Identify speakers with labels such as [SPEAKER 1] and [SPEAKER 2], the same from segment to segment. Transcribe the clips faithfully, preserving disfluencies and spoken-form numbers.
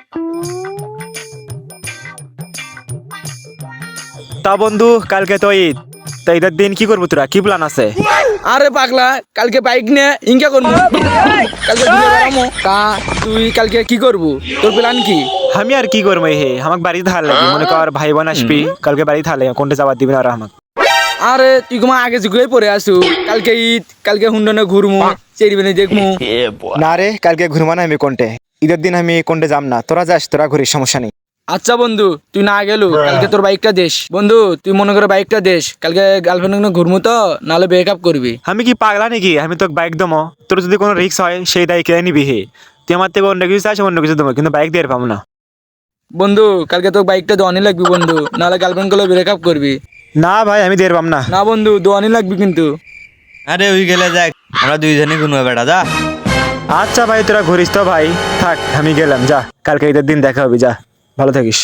[SPEAKER 1] তা বন্ধু কালকে তো ঈদ, তো ঈদের দিন কি করবো, তোরা কি প্ল্যান আছে?
[SPEAKER 2] আরে পাগলা, কালকে বাইক নিয়ে ইনকা করবো। কালকে ঘুরে বেড়ামো। তা তুই কালকে কি করবো, তোর প্ল্যান কি?
[SPEAKER 1] আমি আর কি করবো, হে আমাকে বাড়ি থাকা লাগে, মনে কর ভাই বোন আসবি কালকে বাড়ি থাকলে কোনটা যাবার দিবি না আর আমাকে।
[SPEAKER 2] আরে তুই তোমার আগে যুগে পড়ে আসু, কালকে ঈদ, কালকে হুন্ডনে ঘুরমু, চেরিবেনে দেখমু।
[SPEAKER 1] না রে, কালকে ঘুরবো না আমি কোনটে, ঈদের দিন আমি কোনটে যাম না, তোরা যাস, তোরা ঘুরিস, সমস্যা নেই।
[SPEAKER 2] আচ্ছা বন্ধু, তুই না গেলু, কালকে তোর বাইকটা দেশ। বন্ধু তুই মনে করে বাইকটা দেশ, কালকে গার্লফ্রেন্ড ঘুরমু তো, নাহলে ব্রেকআপ করবি।
[SPEAKER 1] আমি কি পাগলা নাকি, আমি তোকে বাইক দেবো, তোর যদি কোনো রিক্স হয় সেই দায় কে নিবি? হে তুই আমার থেকে অন্য কিছু চাস, অন্য কিছু দেবো, কিন্তু বাইক দিয়ে পাবো না।
[SPEAKER 2] বন্ধু কালকে তোর বাইকটা দোয়ানি লাগবি বন্ধু, নাহলে গার্লফ্রেন্ড গুলো ব্রেকআপ করবি।
[SPEAKER 1] না ভাই, আমি দিয়ে পাম না।
[SPEAKER 2] না বন্ধু, দোয়ানি লাগবি কিন্তু।
[SPEAKER 3] আরে ওই গেলে যাক, আমরা দুইজনে ঘুরবো বেটা, যা।
[SPEAKER 1] আচ্ছা ভাই, তোরা ঘুরিস তো ভাই, থাক আমি গেলাম, যা কালকে ঈদের দিন দেখা হবে, যা ভালো থাকিস।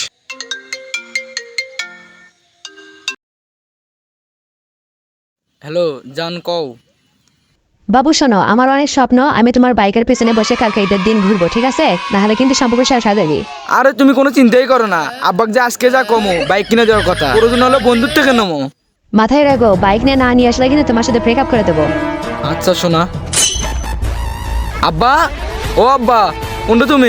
[SPEAKER 2] হ্যালো জান, কও।
[SPEAKER 4] বাবু শোনো, আমার অনেক স্বপ্ন আমি তোমার বাইকের পেছনে বসে কালকে ঈদের দিন ঘুরবো, ঠিক আছে? নাহলে কিন্তু সম্পর্ক শেষ হয়ে যাবে।
[SPEAKER 2] আরে তুমি কোনো চিন্তাই করো না, আব্বাক যে আজকে যা কমো বাইক কিনে দেওয়ার কথা, প্রয়োজন হলো বন্ধুর থেকে নেবো।
[SPEAKER 4] মাথায় রাখো, বাইক নিয়ে না নিয়ে আসলে কিন্তু তোমার সাথে ব্রেকআপ করে দেবো।
[SPEAKER 2] আচ্ছা শোনা। আব্বা, ও আব্বা, কোনটা তুমি?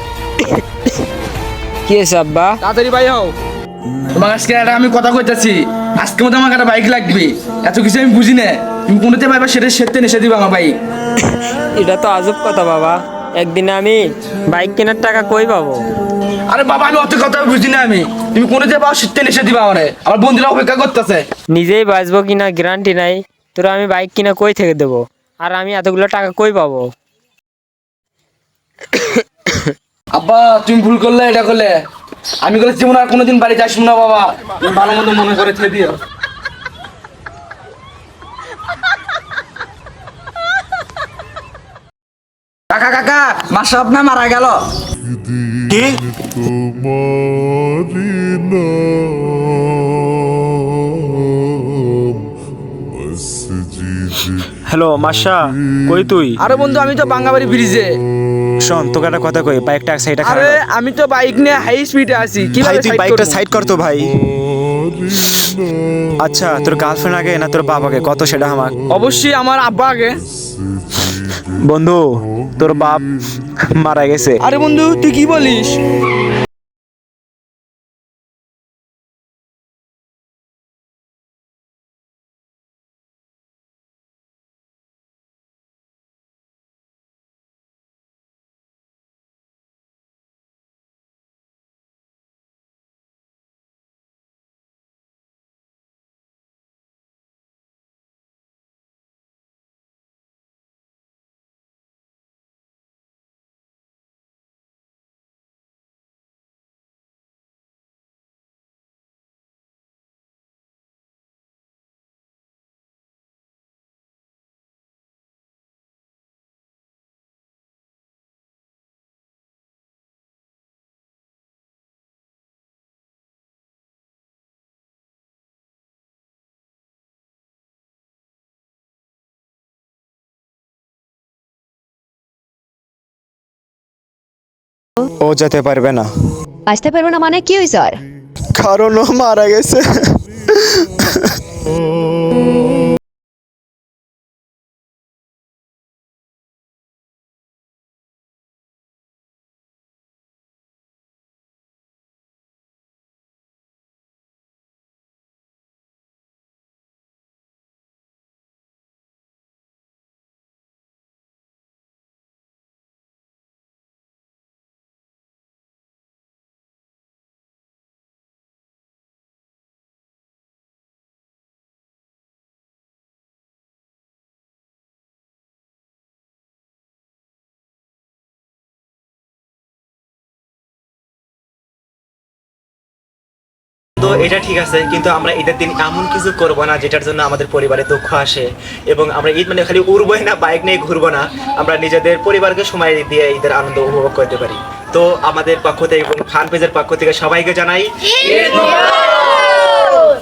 [SPEAKER 5] কি আছে আব্বা?
[SPEAKER 2] তাড়াতাড়ি ভাই হও। তোমার আজকে একটা আমি কথা কইতাছি, আজকে মতো আমার একটা বাইক লাগবে, এত কিছু আমি বুঝি না, তুমি কোনোতে পাইবা সেটা সেরতে নেশে দিবা আমার বাইক।
[SPEAKER 5] এটা তো আজব কথা বাবা, একদিনে আমি বাইক কেনার টাকা কই পাবো?
[SPEAKER 2] আরে বাবা, আমি অত কথা বুঝি না, আমি তুমি কোনোতে পাও সেরতে নেশে দিবা আমারে, আমার বন্ধুরা অপেক্ষা করতেছে।
[SPEAKER 5] নিজেই বাঁচবো কিনা গ্যারান্টি নাই, তোরা আমি বাইক কিনা কই থেকে দেবো, আর আমি এতগুলো টাকা কই পাবো?
[SPEAKER 2] আব্বা তুমি ভুল করলে, এটা করলে আমি বলে জীবন আর কোনোদিন বাড়িতে আসবো না বাবা, তুমি ভালো মতো মনে করে থে দিও। কাকা কাকা, মাসা আপনার মারা গেল।
[SPEAKER 1] কি? হ্যালো মাসা, কই তুই?
[SPEAKER 2] আরে বন্ধু, আমি তো বাঙ্গাবাড়ি ব্রিজে।
[SPEAKER 1] শোন, তোকে একটা কথা কই, বাইকটা এক সাইডে
[SPEAKER 2] আরে
[SPEAKER 1] খারাপ।
[SPEAKER 2] আমি তো বাইক নিয়ে হাই স্পিডে আছি,
[SPEAKER 1] ভাই
[SPEAKER 2] কিভাবে
[SPEAKER 1] তুই
[SPEAKER 2] সাইড
[SPEAKER 1] বাইকটা
[SPEAKER 2] করব?
[SPEAKER 1] সাইড কর তো ভাই। আচ্ছা, তোর গার্লফ্রেন্ড আগে না তোর বাপ আগে, কত সেটা আমার?
[SPEAKER 2] অবশ্যই আমার আব্বা আগে।
[SPEAKER 1] বন্ধু, তোর বাপ মারা গেছে।
[SPEAKER 2] আরে বন্ধু তুই কি বলিস?
[SPEAKER 1] ও যেতে পারবে না।
[SPEAKER 4] আসতে পারবো না মানে কি হয়েছে আর?
[SPEAKER 1] কারণ ও মারা গেছে। তো এটা ঠিক আছে, কিন্তু আমরা ঈদের দিন এমন কিছু করবো না যেটার জন্য আমাদের পরিবারে দুঃখ আসে, এবং আমরা ঈদ মানে খালি উড়বোই না, বাইক নিয়ে ঘুরবো না, আমরা নিজেদের পরিবারকে সময় দিয়ে ঈদের আনন্দ উপভোগ করতে পারি। তো আমাদের পক্ষ থেকে এবং ফান পেজের পক্ষ থেকে সবাইকে জানাই ঈদ মোবারক।